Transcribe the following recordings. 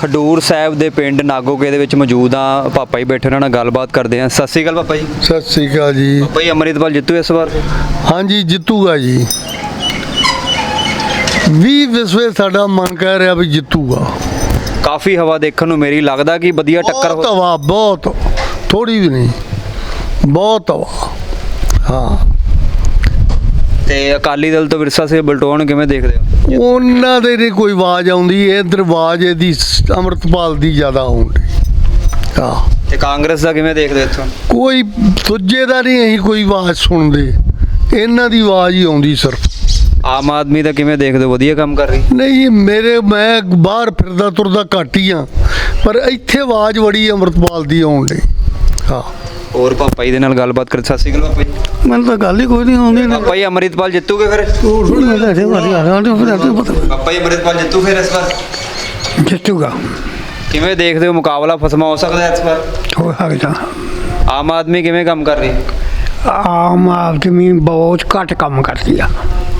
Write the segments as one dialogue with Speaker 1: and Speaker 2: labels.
Speaker 1: ਖਡੂਰ ਸਾਹਿਬ ਦੇ ਪਿੰਡ ਨਾਗੋਕੇ ਦੇ ਵਿੱਚ ਮੌਜੂਦ ਆ। ਪਾਪਾ ਜੀ ਬੈਠੇ ਉਹਨਾਂ ਨਾਲ ਗੱਲਬਾਤ ਕਰਦੇ ਆ। ਸਤਿ ਸ਼੍ਰੀ ਅਕਾਲ ਪਾਪਾ ਜੀ।
Speaker 2: ਸਤਿ ਸ੍ਰੀ ਅਕਾਲ ਜੀ।
Speaker 1: ਪਾਪਾ ਜੀ ਅੰਮ੍ਰਿਤਪਾਲ ਜਿੱਤੂ ਇਸ ਵਾਰ?
Speaker 2: ਹਾਂਜੀ ਜਿੱਤੂਗਾ ਜੀ। 20 ਵਿਸਵੇ ਸਾਡਾ ਮਨ ਕਹਿ ਰਿਹਾ ਵੀ ਜਿੱਤੂਗਾ।
Speaker 1: ਕਾਫੀ ਹਵਾ ਦੇਖਣ ਨੂੰ ਮੇਰੀ ਲੱਗਦਾ ਕਿ ਵਧੀਆ ਟੱਕਰ
Speaker 2: ਬਹੁਤ ਹਵਾ, ਬਹੁਤ ਥੋੜੀ ਵੀ ਨਹੀਂ, ਬਹੁਤ ਹਵਾ। ਹਾਂ
Speaker 1: ਤੇ ਅਕਾਲੀ ਦਲ ਤੋਂ ਵਿਰਸਾ ਸਿੰਘ ਬਲਟੋਆ ਨੂੰ ਕਿਵੇਂ ਦੇਖਦੇ ਹੋ?
Speaker 2: ਉਹਨਾਂ ਦੇ ਨਹੀਂ ਕੋਈ ਆਵਾਜ਼ ਆਉਂਦੀ, ਇੱਧਰ ਆਵਾਜ਼ ਇਹਦੀ ਅੰਮ੍ਰਿਤਪਾਲ ਦੀ ਜ਼ਿਆਦਾ ਆਉਂਦੀ। ਹਾਂ
Speaker 1: ਤੇ ਕਾਂਗਰਸ ਦਾ ਕਿਵੇਂ ਦੇਖਦੇ ਇੱਥੋਂ?
Speaker 2: ਕੋਈ ਦੂਜੇ ਦਾ ਨਹੀਂ ਅਸੀਂ ਕੋਈ ਆਵਾਜ਼ ਸੁਣਦੇ, ਇਹਨਾਂ ਦੀ ਆਵਾਜ਼ ਹੀ ਆਉਂਦੀ ਸਿਰਫ।
Speaker 1: ਆਮ ਆਦਮੀ ਦਾ ਕਿਵੇਂ ਦੇਖਦੇ ਹੋ? ਵਧੀਆ ਕੰਮ ਕਰ ਰਹੀ?
Speaker 2: ਨਹੀਂ ਮੈਂ ਬਾਹਰ ਫਿਰਦਾ ਤੁਰਦਾ ਘੱਟ ਹੀ ਆ, ਪਰ ਇੱਥੇ ਆਵਾਜ਼ ਬੜੀ ਅੰਮ੍ਰਿਤਪਾਲ ਦੀ ਆਉਣ ਡਈ। ਹਾਂ
Speaker 1: ਹੋਰ ਪਾਪਾ ਜੀ ਦੇ ਨਾਲ ਗੱਲਬਾਤ ਕਰ। ਸਤਿ ਸ਼੍ਰੀ ਅਕਾਲ ਪਾਪਾ ਜੀ।
Speaker 2: ਮੈਨੂੰ ਤਾਂ ਗੱਲ ਹੀ ਕੋਈ ਨਹੀਂ ਆਉਂਦੀ।
Speaker 1: ਪਾਪਾ ਜੀ ਅੰਮ੍ਰਿਤਪਾਲ ਜਿੱਤੂਗੇ ਫਿਰ? ਪਾਪਾ ਜੀ ਅੰਮ੍ਰਿਤਪਾਲ ਜਿੱਤੂ ਫਿਰ ਇਸ ਵਾਰ?
Speaker 2: ਜਿੱਤੂਗਾ।
Speaker 1: ਕਿਵੇਂ ਦੇਖਦੇ ਹੋ ਮੁਕਾਬਲਾ ਫਸਮਾ ਹੋ ਸਕਦਾ ਇਸ ਵਾਰ?
Speaker 2: ਹੋ ਸਕਦਾ।
Speaker 1: ਆਮ ਆਦਮੀ ਕਿਵੇਂ ਕੰਮ ਕਰ ਰਹੀ?
Speaker 2: ਆਮ ਆਦਮੀ ਬਹੁਤ ਘੱਟ ਕੰਮ ਕਰਦੀ ਆ।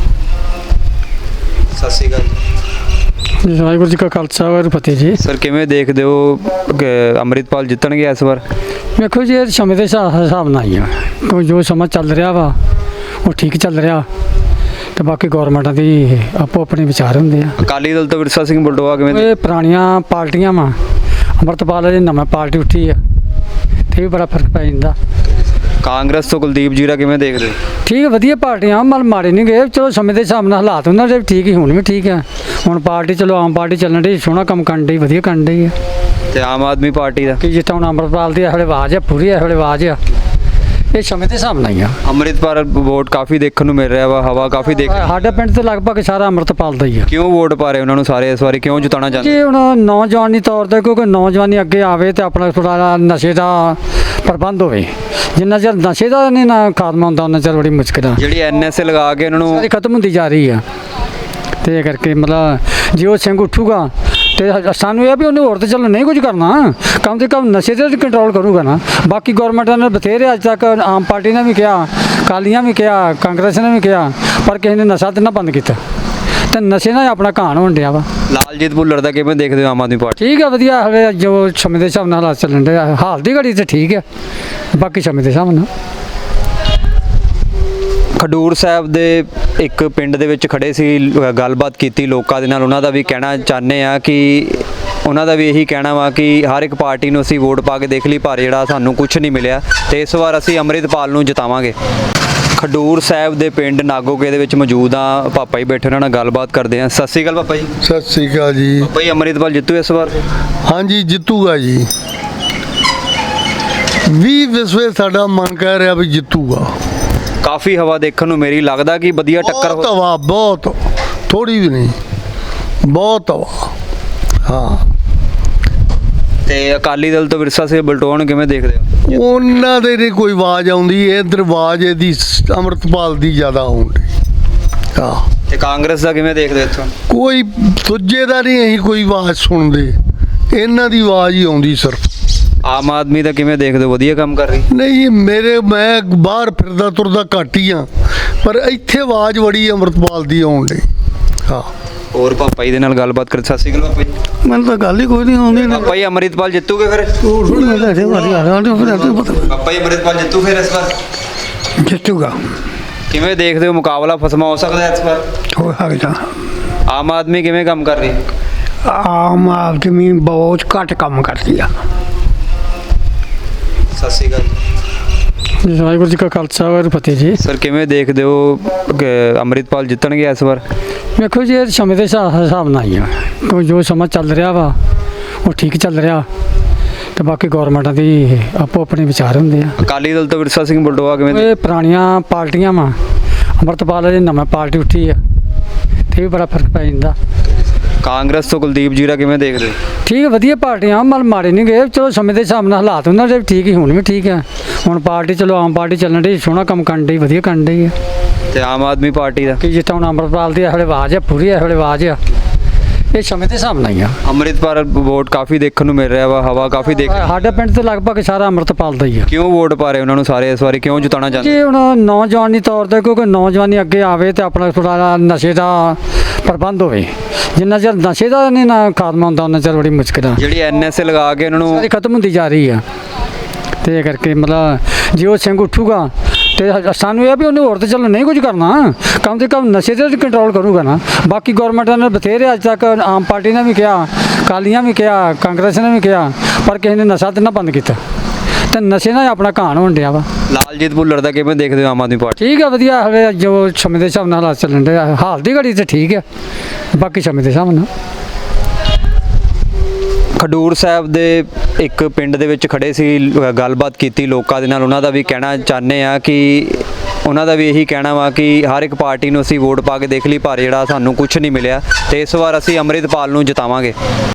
Speaker 1: ਸਤਿ ਸ਼੍ਰੀ ਅਕਾਲ ਜੀ।
Speaker 3: ਵਾਹਿਗੁਰੂ ਜੀ ਕਾ ਖਾਲਸਾ ਵਾਹਿਗੁਰੂ ਫਤਿਹ ਜੀ।
Speaker 1: ਸਰ ਕਿਵੇਂ ਦੇਖਦੇ ਹੋ ਕਿ ਅੰਮ੍ਰਿਤਪਾਲ ਜਿੱਤਣਗੇ ਇਸ ਵਾਰ?
Speaker 3: ਵੇਖੋ ਜੀ ਇਹ ਸਮੇਂ ਦੇ ਹਿਸਾਬ ਨਾਲ ਹੀ ਆ, ਕੋਈ ਜੋ ਸਮਾਂ ਚੱਲ ਰਿਹਾ ਵਾ ਉਹ ਠੀਕ ਚੱਲ ਰਿਹਾ, ਤੇ ਬਾਕੀ ਗੌਰਮੈਂਟਾਂ ਦੀ ਆਪੋ ਆਪਣੇ ਵਿਚਾਰ ਹੁੰਦੇ ਆ।
Speaker 1: ਅਕਾਲੀ ਦਲ ਤੋਂ ਵਿਰਸਾ ਸਿੰਘ ਬਲਟੋਆ ਕਿਵੇਂ?
Speaker 3: ਇਹ ਪੁਰਾਣੀਆਂ ਪਾਰਟੀਆਂ ਵਾ, ਅੰਮ੍ਰਿਤਪਾਲ ਦੀ ਨਵੀਂ ਪਾਰਟੀ ਉੱਠੀ ਆ ਤੇ ਵੀ ਬੜਾ ਫਰਕ ਪੈ ਜਾਂਦਾ।
Speaker 1: ਕਾਂਗਰਸ ਤੋਂ ਕੁਲਦੀਪ ਜੀਰਾ ਕਿਵੇਂ ਦੇਖਦੇ?
Speaker 3: ਠੀਕ ਹੈ, ਵਧੀਆ ਪਾਰਟੀਆਂ, ਮਲ ਮਾੜੇ ਨਹੀਂ ਗਏ। ਚਲੋ ਸਮੇਂ ਦੇ ਹਿਸਾਬ ਨਾਲ ਹਾਲਾਤ ਉਹਨਾਂ ਦੇ ਵੀ ਠੀਕ ਹੀ, ਹੁਣ ਵੀ ਠੀਕ ਆ। ਹੁਣ ਪਾਰਟੀ ਚਲੋ ਆਮ ਪਾਰਟੀ ਚੱਲਣ ਡਈ, ਸੋਹਣਾ ਕੰਮ ਕਰਨ ਡਈ, ਵਧੀਆ ਕਰਨ ਡਈ ਆ।
Speaker 1: ਤੇ ਆਮ ਆਦਮੀ ਪਾਰਟੀ ਦਾ
Speaker 3: ਕਿ ਜਿੱਦਾਂ ਹੁਣ ਅੰਮ੍ਰਿਤਪਾਲ ਦੀ ਇਹ ਵੇਲੇ ਆਵਾਜ਼ ਆ, ਪੂਰੀ ਇਹ ਵੇਲੇ ਆਵਾਜ਼ ਆ, ਇਹ ਸਮੇਂ ਦੇ ਹਿਸਾਬ ਨਾਲ ਹੀ ਆ।
Speaker 1: ਅੰਮ੍ਰਿਤਪਾਲ ਵੋਟ ਕਾਫੀ ਦੇਖਣ ਨੂੰ ਮਿਲ ਰਿਹਾ ਵਾ, ਹਵਾ ਕਾਫੀ ਦੇਖ।
Speaker 3: ਸਾਡਾ ਪਿੰਡ ਤੇ ਲਗਭਗ ਸਾਰਾ ਅੰਮ੍ਰਿਤਪਾਲ ਦਾ ਹੀ ਆ।
Speaker 1: ਕਿਉਂ ਵੋਟ ਪਾ ਰਹੇ ਉਹਨਾਂ ਨੂੰ ਸਾਰੇ ਇਸ ਵਾਰੀ? ਕਿਉਂ ਜਿਤਾਉਣਾ ਚਾਹੁੰਦੇ?
Speaker 3: ਕਿ ਹੁਣ ਨੌਜਵਾਨੀ ਤੌਰ ਤੇ, ਕਿਉਂਕਿ ਨੌਜਵਾਨੀ ਅੱਗੇ ਆਵੇ ਤੇ ਆਪਣਾ ਥੋੜ੍ਹਾ ਨਸ਼ੇ ਦਾ ਪ੍ਰਬੰਧ ਹੋਵੇ। ਜਿੰਨਾ ਚਿਰ ਨਸ਼ੇ ਦਾ ਨਹੀਂ ਨਾ ਖਾਤਮਾ ਹੁੰਦਾ ਉਹਨਾਂ ਚਿਰ ਬੜੀ ਮੁਸ਼ਕਿਲ ਆ।
Speaker 1: ਜਿਹੜੀ ਐਨਐਸਏ ਲਗਾ ਕੇ ਉਹਨਾਂ ਨੂੰ
Speaker 3: ਸਾਰੀ ਖਤਮ ਹੁੰਦੀ ਜਾ ਰਹੀ ਆ, ਤੇ ਇਹ ਕਰਕੇ ਮਤਲਬ ਜੇ ਉਹ ਸਿੰਘ ਉੱਠੂਗਾ ਤੇ ਸਾਨੂੰ ਇਹ ਵੀ ਉਹਨੇ ਹੋਰ ਤੇ ਚਲੋ ਨਹੀਂ ਕੁਝ ਕਰਨਾ, ਕਮ ਸੇ ਕਮ ਨਸ਼ੇ ਤੇ ਕੰਟਰੋਲ ਕਰੂਗਾ ਨਾ। ਬਾਕੀ ਗੌਰਮੈਂਟਾਂ ਨੇ ਬਥੇਰੇ ਅੱਜ ਤੱਕ, ਆਮ ਪਾਰਟੀ ਨੇ ਵੀ ਕਿਹਾ, ਅਕਾਲੀਆਂ ਵੀ ਕਿਹਾ, ਕਾਂਗਰਸ ਨੇ ਵੀ ਕਿਹਾ, ਪਰ ਕਿਸੇ ਨੇ ਨਸ਼ਾ ਤੇ ਨਾ ਬੰਦ ਕੀਤਾ, ਤੇ ਨਸ਼ੇ ਨਾਲ ਆਪਣਾ ਘਾਣ ਹੋਣ ਡਿਆ ਵਾ।
Speaker 1: ਲਾਲਜੀਤ ਭੁੱਲਰ ਦਾ ਕਿਵੇਂ ਦੇਖਦੇ ਹੋ ਆਮ ਆਦਮੀ ਪਾਰਟੀ?
Speaker 3: ਠੀਕ ਆ, ਵਧੀਆ। ਹਲੇ ਜੋ ਸਮੇਂ ਦੇ ਹਿਸਾਬ ਨਾਲ ਹਾਲਾਤ ਚੱਲਣ ਦੇ, ਹਾਲ ਦੀ ਘੜੀ ਤੇ ਠੀਕ ਹੈ, ਬਾਕੀ ਸਮੇਂ ਦੇ ਹਿਸਾਬ ਨਾਲ।
Speaker 1: ਖਡੂਰ ਸਾਹਿਬ ਦੇ ਇੱਕ ਪਿੰਡ ਦੇ ਵਿੱਚ ਖੜੇ ਸੀ, ਗੱਲਬਾਤ ਕੀਤੀ ਲੋਕਾਂ ਦੇ ਨਾਲ। ਉਹਨਾਂ ਦਾ ਵੀ ਕਹਿਣਾ ਚਾਹੁੰਦੇ ਆ ਕਿ ਉਹਨਾਂ ਦਾ ਵੀ ਇਹੀ ਕਹਿਣਾ ਵਾ ਕਿ ਹਰ ਇੱਕ ਪਾਰਟੀ ਨੂੰ ਅਸੀਂ ਵੋਟ ਪਾ ਕੇ ਦੇਖ ਲਈ, ਪਰ ਜਿਹੜਾ ਸਾਨੂੰ ਕੁਝ ਨਹੀਂ ਮਿਲਿਆ, ਤੇ ਇਸ ਵਾਰ ਅਸੀਂ ਅੰਮ੍ਰਿਤਪਾਲ ਨੂੰ ਜਿਤਾਵਾਂਗੇ। ਖਡੂਰ ਸਾਹਿਬ ਦੇ ਪਿੰਡ ਨਾਗੋਕੇ ਦੇ ਵਿੱਚ ਮੌਜੂਦ ਆ। ਪਾਪਾ ਜੀ ਬੈਠੇ ਉਹਨਾਂ ਨਾਲ ਗੱਲਬਾਤ ਕਰਦੇ ਆ। ਸਤਿ ਸ਼੍ਰੀ ਅਕਾਲ ਪਾਪਾ ਜੀ।
Speaker 2: ਸਤਿ ਸ੍ਰੀ ਅਕਾਲ ਜੀ।
Speaker 1: ਪਾਪਾ ਜੀ ਅੰਮ੍ਰਿਤਪਾਲ ਜਿੱਤੂ ਇਸ ਵਾਰ?
Speaker 2: ਹਾਂਜੀ ਜਿੱਤੂਗਾ ਜੀ। 20 ਵਿਸਵੇ ਸਾਡਾ ਮਨ ਕਹਿ ਰਿਹਾ ਵੀ ਜਿੱਤੂਗਾ।
Speaker 1: ਕਾਫੀ ਹਵਾ ਦੇਖਣ ਨੂੰ ਮੇਰੀ ਲੱਗਦਾ ਕਿ ਵਧੀਆ ਟੱਕਰ
Speaker 2: ਬਹੁਤ ਹਵਾ, ਬਹੁਤ ਥੋੜੀ ਵੀ ਨਹੀਂ, ਬਹੁਤ ਹਵਾ। ਹਾਂ
Speaker 1: ਤੇ ਅਕਾਲੀ ਦਲ ਤੋਂ ਵਿਰਸਾ ਸਿੰਘ ਬਲਟੋਆ ਨੂੰ ਕਿਵੇਂ ਦੇਖਦੇ ਹੋ?
Speaker 2: ਉਹਨਾਂ ਦੇ ਨਹੀਂ ਕੋਈ ਆਵਾਜ਼ ਆਉਂਦੀ, ਇੱਧਰ ਆਵਾਜ਼ ਇਹਦੀ ਅੰਮ੍ਰਿਤਪਾਲ ਦੀ ਜ਼ਿਆਦਾ ਆਉਂਦੀ। ਹਾਂ
Speaker 1: ਤੇ ਕਾਂਗਰਸ ਦਾ ਕਿਵੇਂ ਦੇਖਦੇ ਇੱਥੋਂ?
Speaker 2: ਕੋਈ ਦੂਜੇ ਦਾ ਨਹੀਂ ਅਸੀਂ ਕੋਈ ਆਵਾਜ਼ ਸੁਣਦੇ, ਇਹਨਾਂ ਦੀ ਆਵਾਜ਼ ਹੀ ਆਉਂਦੀ ਸਿਰਫ।
Speaker 1: ਆਮ ਆਦਮੀ ਦਾ ਕਿਵੇਂ ਦੇਖਦੇ ਹੋ? ਵਧੀਆ ਕੰਮ ਕਰ ਰਹੀ?
Speaker 2: ਨਹੀਂ ਮੈਂ ਬਾਹਰ ਫਿਰਦਾ ਤੁਰਦਾ ਘੱਟ ਹੀ ਆ, ਪਰ ਇੱਥੇ ਆਵਾਜ਼ ਬੜੀ ਅੰਮ੍ਰਿਤਪਾਲ ਦੀ ਆਉਣ ਡਈ। ਹਾਂ
Speaker 1: ਹੋਰ ਪਾਪਾ ਜੀ ਦੇ ਨਾਲ ਗੱਲਬਾਤ ਕਰ। ਸਤਿ ਸ਼੍ਰੀ ਅਕਾਲ ਪਾਪਾ ਜੀ।
Speaker 2: ਮੈਨੂੰ ਤਾਂ ਗੱਲ ਹੀ ਕੋਈ ਨਹੀਂ ਆਉਂਦੀ।
Speaker 1: ਪਾਪਾ ਜੀ ਅੰਮ੍ਰਿਤਪਾਲ ਜਿੱਤੂਗੇ ਫਿਰ? ਪਾਪਾ ਜੀ ਅੰਮ੍ਰਿਤਪਾਲ ਜਿੱਤੂ ਫਿਰ ਇਸ ਵਾਰ?
Speaker 2: ਜਿੱਤੂਗਾ।
Speaker 1: ਕਿਵੇਂ ਦੇਖਦੇ ਹੋ ਮੁਕਾਬਲਾ ਫਸਮਾ ਹੋ ਸਕਦਾ ਇਸ ਵਾਰ?
Speaker 2: ਹੋ ਸਕਦਾ।
Speaker 1: ਆਮ ਆਦਮੀ ਕਿਵੇਂ ਕੰਮ ਕਰ ਰਹੀ?
Speaker 2: ਆਮ ਆਦਮੀ ਬਹੁਤ ਘੱਟ ਕੰਮ ਕਰਦੀ ਆ।
Speaker 1: ਸਤਿ ਸ਼੍ਰੀ ਅਕਾਲ ਜੀ।
Speaker 3: ਵਾਹਿਗੁਰੂ ਜੀ ਕਾ ਖਾਲਸਾ ਵਾਹਿਗੁਰੂ ਫਤਿਹ ਜੀ।
Speaker 1: ਸਰ ਕਿਵੇਂ ਦੇਖਦੇ ਹੋ ਕਿ ਅੰਮ੍ਰਿਤਪਾਲ ਜਿੱਤਣਗੇ ਇਸ ਵਾਰ?
Speaker 3: ਵੇਖੋ ਜੀ ਇਹ ਸਮੇਂ ਦੇ ਹਿਸਾਬ ਨਾਲ ਹੀ ਆ, ਕੋਈ ਜੋ ਸਮਾਂ ਚੱਲ ਰਿਹਾ ਵਾ ਉਹ ਠੀਕ ਚੱਲ ਰਿਹਾ, ਤੇ ਬਾਕੀ ਗੌਰਮੈਂਟਾਂ ਦੀ ਆਪੋ ਆਪਣੇ ਵਿਚਾਰ ਹੁੰਦੇ ਆ।
Speaker 1: ਅਕਾਲੀ ਦਲ ਤੋਂ ਵਿਰਸਾ ਸਿੰਘ ਬਲਟੋਆ ਕਿਵੇਂ?
Speaker 3: ਇਹ ਪੁਰਾਣੀਆਂ ਪਾਰਟੀਆਂ ਵਾ, ਅੰਮ੍ਰਿਤਪਾਲ ਦੀ ਨਵੀਂ ਪਾਰਟੀ ਉੱਠੀ ਆ ਤੇ ਵੀ ਬੜਾ ਫਰਕ ਪੈ ਜਾਂਦਾ।
Speaker 1: ਕਾਂਗਰਸ ਤੋਂ ਕੁਲਦੀਪ ਜੀਰਾ ਕਿਵੇਂ ਦੇਖਦੇ?
Speaker 3: ਠੀਕ ਹੈ, ਵਧੀਆ ਪਾਰਟੀਆਂ, ਮਲ ਮਾੜੇ ਨਹੀਂ ਗਏ। ਚਲੋ ਸਮੇਂ ਦੇ ਹਿਸਾਬ ਨਾਲ ਹਾਲਾਤ ਉਹਨਾਂ ਦੇ ਵੀ ਠੀਕ ਹੀ, ਹੁਣ ਵੀ ਠੀਕ ਆ। ਹੁਣ ਪਾਰਟੀ ਚਲੋ ਆਮ ਪਾਰਟੀ ਚੱਲਣ ਡਈ, ਸੋਹਣਾ ਕੰਮ ਕਰਨ ਡਈ, ਵਧੀਆ ਕਰਨ ਡਈ ਆ।
Speaker 1: ਤੇ ਆਮ ਆਦਮੀ ਪਾਰਟੀ ਦਾ
Speaker 3: ਕਿ ਜਿੱਦਾਂ ਹੁਣ ਅੰਮ੍ਰਿਤਪਾਲ ਦੀ ਇਹ ਵੇਲੇ ਆਵਾਜ਼ ਆ, ਪੂਰੀ ਇਹ ਵੇਲੇ ਆਵਾਜ਼ ਆ, ਇਹ ਸਮੇਂ ਦੇ ਹਿਸਾਬ ਨਾਲ ਹੀ ਆ।
Speaker 1: ਅੰਮ੍ਰਿਤਪਾਲ ਵੋਟ ਕਾਫੀ ਦੇਖਣ ਨੂੰ ਮਿਲ ਰਿਹਾ ਵਾ, ਹਵਾ ਕਾਫੀ ਦੇਖ।
Speaker 3: ਸਾਡਾ ਪਿੰਡ ਤੇ ਲਗਭਗ ਸਾਰਾ ਅੰਮ੍ਰਿਤਪਾਲ ਦਾ ਹੀ ਆ।
Speaker 1: ਕਿਉਂ ਵੋਟ ਪਾ ਰਹੇ ਉਹਨਾਂ ਨੂੰ ਸਾਰੇ ਇਸ ਵਾਰੀ? ਕਿਉਂ ਜਿਤਾਉਣਾ ਚਾਹੁੰਦੇ?
Speaker 3: ਕਿ ਹੁਣ ਨੌਜਵਾਨੀ ਤੌਰ ਤੇ, ਕਿਉਂਕਿ ਨੌਜਵਾਨੀ ਅੱਗੇ ਆਵੇ ਤੇ ਆਪਣਾ ਥੋੜ੍ਹਾ ਨਸ਼ੇ ਦਾ ਪ੍ਰਬੰਧ ਹੋਵੇ। ਜਿੰਨਾ ਚਿਰ ਨਸ਼ੇ ਦਾ ਨਹੀਂ ਨਾ ਖਾਤਮਾ ਹੁੰਦਾ ਉਹਨਾਂ ਚਿਰ ਬੜੀ ਮੁਸ਼ਕਿਲ ਆ
Speaker 1: ਜਿਹੜੀ ਐਨਐਸਏ ਲਗਾ ਕੇ ਉਹਨਾਂ ਨੂੰ
Speaker 3: ਸਾਰੀ ਖਤਮ ਹੁੰਦੀ ਜਾ ਰਹੀ ਆ। ਤੇ ਇਹ ਕਰਕੇ ਮਤਲਬ ਜੇ ਉਹ ਸਿੰਘ ਉੱਠੂਗਾ ਤੇ ਸਾਨੂੰ ਇਹ ਆ ਵੀ ਉਹਨੇ ਹੋਰ ਤਾਂ ਚਲੋ ਨਹੀਂ ਕੁਝ ਕਰਨਾ, ਕਮ ਸੇ ਕਮ ਨਸ਼ੇ ਤੇ ਕੰਟਰੋਲ ਕਰੂਗਾ ਨਾ। ਬਾਕੀ ਗੌਰਮੈਂਟਾਂ ਨੇ ਬਥੇਰੇ ਅੱਜ ਤੱਕ ਆਮ ਪਾਰਟੀ ਨੇ ਵੀ ਕਿਹਾ, ਅਕਾਲੀਆਂ ਵੀ ਕਿਹਾ, ਕਾਂਗਰਸ ਨੇ ਵੀ ਕਿਹਾ, ਪਰ ਕਿਸੇ ਨੇ ਨਸ਼ਾ ਤੇ ਨਾ ਬੰਦ ਕੀਤਾ ਤੇ ਨਸ਼ੇ ਨਾਲ ਆਪਣਾ ਘਾਣ ਹੋਣ ਡਿਆ ਵਾ।
Speaker 1: ਲਾਲਜੀਤ ਭੁੱਲਰ ਦਾ ਕਿਵੇਂ ਦੇਖਦੇ ਹੋ ਆਮ ਆਦਮੀ ਪਾਰਟੀ?
Speaker 3: ਠੀਕ ਆ, ਵਧੀਆ ਹਲੇ ਜੋ ਸਮੇਂ ਦੇ ਹਿਸਾਬ ਨਾਲ ਹਾਲਾਤ ਚੱਲਣ ਦੇ ਹਾਲ ਦੀ ਘੜੀ ਤੇ ਠੀਕ ਆ, ਬਾਕੀ ਸਮੇਂ ਦੇ ਹਿਸਾਬ ਨਾਲ।
Speaker 1: ਖਡੂਰ ਸਾਹਿਬ ਦੇ ਇੱਕ ਪਿੰਡ ਦੇ ਵਿੱਚ ਖੜੇ ਸੀ, ਗੱਲਬਾਤ ਕੀਤੀ ਲੋਕਾਂ ਦੇ ਨਾਲ। ਉਹਨਾਂ ਦਾ ਵੀ ਕਹਿਣਾ ਚਾਹੁੰਦੇ ਆ ਕਿ ਉਹਨਾਂ ਦਾ ਵੀ ਇਹੀ ਕਹਿਣਾ ਵਾ ਕਿ ਹਰ ਇੱਕ ਪਾਰਟੀ ਨੂੰ ਅਸੀਂ ਵੋਟ ਪਾ ਕੇ ਦੇਖ ਲਈ, ਪਰ ਜਿਹੜਾ ਸਾਨੂੰ ਕੁਝ ਨਹੀਂ ਮਿਲਿਆ ਤੇ ਇਸ ਵਾਰ ਅਸੀਂ ਅੰਮ੍ਰਿਤਪਾਲ ਨੂੰ ਜਿਤਾਵਾਂਗੇ।